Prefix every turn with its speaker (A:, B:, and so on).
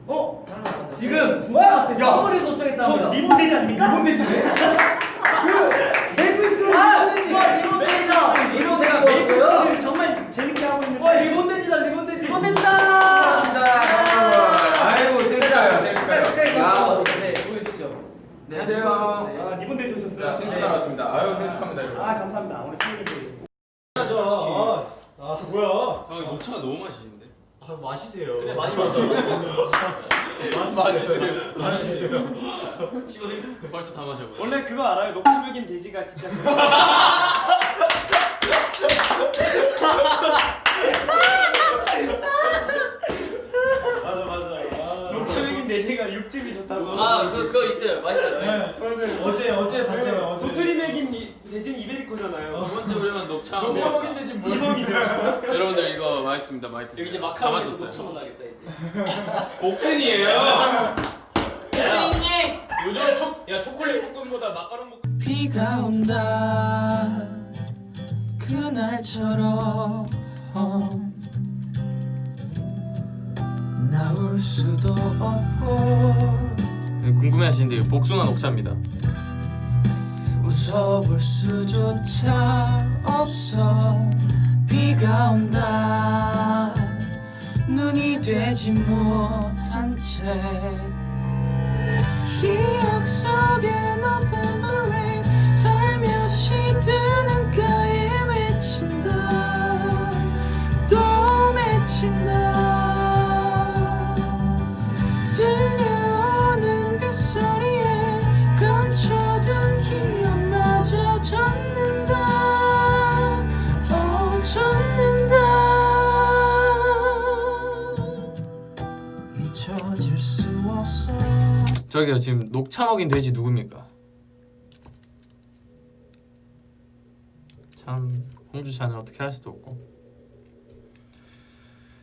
A: 지금 중앙 앞에 선물이 도착했다고요.
B: 저 리본 돼지 아닙니까? 리본 돼지 왜?
A: 리본 돼지다.
B: 이거 제가 메이플스토리를 정말 재밌게 하고 있는데
A: 리본 돼지다. 리본 돼지.
B: 리본 돼지다!
C: 아이고 재밌어요.
A: 재밌어요. 네, 보여주시죠.
C: 안녕하세요.
B: 아, 리본 돼지 오셨어요?
C: 생축 하러 왔습니다. 아유 생축합니다 여러분.
B: 아, 감사합니다. 오늘 생일이
D: 뭐야?
E: 녹차가 너무 맛있는데?
D: 마시세요.
E: 그래 많이 마셔. 마시세요. 지금 벌써 다 마셔.
B: 원래 그거 알아요? 녹차 먹인 돼지가 진짜
D: 맞아.
B: 녹차 먹인 돼지가 육즙이 좋다고.
E: 그거 있어요. 맛있어요.
D: 어제 봤잖아.
B: 도토리 먹인 돼지는 이베리코잖아요.
E: 두 번째 우리만 녹차.
D: 녹차 먹인 돼지 뭐야?
B: 지범이죠.
E: 여러분들 이거 맛있습니다. 많이 드세요.
F: 이제
E: 다
F: 마카롱
E: 마셨어요.
F: 녹차만 나겠다 이제.
E: 복근이에요.
F: 님
E: 요즘 초콜릿 볶음보다 마카롱 볶음.
G: 비가 온다 그날처럼 나올 수도 없고
E: 궁금해하시는데 복숭아 녹차입니다.
G: 웃어볼 수조차 없어 비가 온다 눈이 되지 못한 채 기억 속에 November rain 살며시 두 눈가에 맺힌다 또 맺힌다 들려오는 그 소리에 감춰둔 기억마저 젖는다 젖는다 잊혀질 수 없어.
E: 저기요 지금 녹차 먹인 돼지 누굽니까? 참 홍주 씨는 어떻게 할 수도 없고.